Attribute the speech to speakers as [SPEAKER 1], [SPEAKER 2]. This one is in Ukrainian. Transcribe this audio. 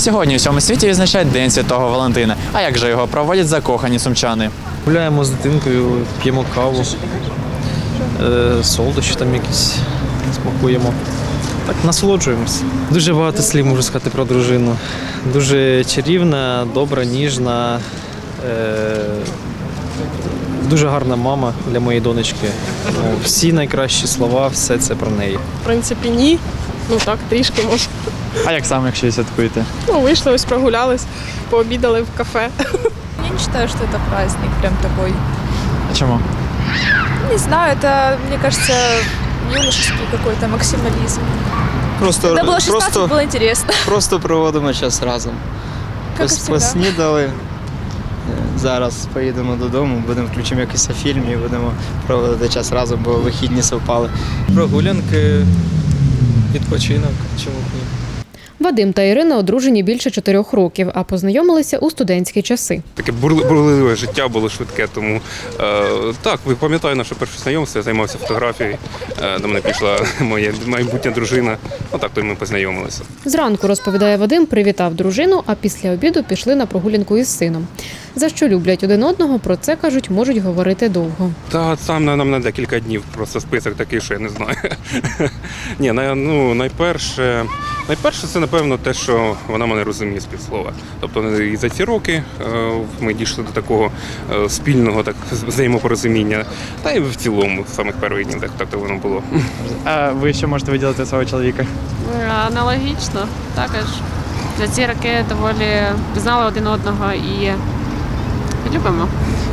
[SPEAKER 1] Сьогодні у всьому світі відзначають День Святого Валентина. А як же його проводять закохані сумчани?
[SPEAKER 2] Гуляємо з дитинкою, п'ємо каву, солодощі там якісь смакуємо. Так, насолоджуємось. Дуже багато слів можу сказати про дружину. Дуже чарівна, добра, ніжна, дуже гарна мама для моєї донечки. Ну, всі найкращі слова, все це про неї.
[SPEAKER 3] В принципі, ні. Ну так, трішки може.
[SPEAKER 1] А як саме, якщо її святкуєте?
[SPEAKER 3] Ну, вийшли, ось прогулялись, пообідали в кафе.
[SPEAKER 4] Я не считаю, что это праздник прям такой.
[SPEAKER 1] А чому?
[SPEAKER 4] Не знаю, это, мне кажется, юношеский какой-то максимализм.
[SPEAKER 5] Просто,
[SPEAKER 4] Когда было 16,
[SPEAKER 5] просто,
[SPEAKER 4] было интересно.
[SPEAKER 5] просто проводимо час разом.
[SPEAKER 4] Как и всегда.
[SPEAKER 5] Поснідали. Зараз поїдемо додому, будемо включимо якийсь фільм і будемо проводити час разом, бо вихідні совпали.
[SPEAKER 2] Прогулянки, відпочинок, чому б ні.
[SPEAKER 6] Вадим та Ірина одружені більше 4 років, а познайомилися у студентські часи.
[SPEAKER 7] Таке бурливе життя було швидке, тому так, пам'ятаю наше перше знайомство, я займався фотографією, до мене пішла моя майбутня дружина, отак то й ми познайомилися.
[SPEAKER 6] Зранку, розповідає Вадим, привітав дружину, а після обіду пішли на прогулянку із сином. За що люблять один одного, про це, кажуть, можуть говорити довго.
[SPEAKER 7] Та сам нам на декілька днів, просто список такий, що я не знаю. Ні, найперше це, напевно, те, що вона мене розуміє з півслова. Тобто і за ці роки ми дійшли до такого спільного взаємопорозуміння, та й в цілому, з самих перших днів так воно було.
[SPEAKER 1] А ви що можете виділити свого чоловіка?
[SPEAKER 8] Аналогічно, також. За ці роки доволі знали один одного і любимо.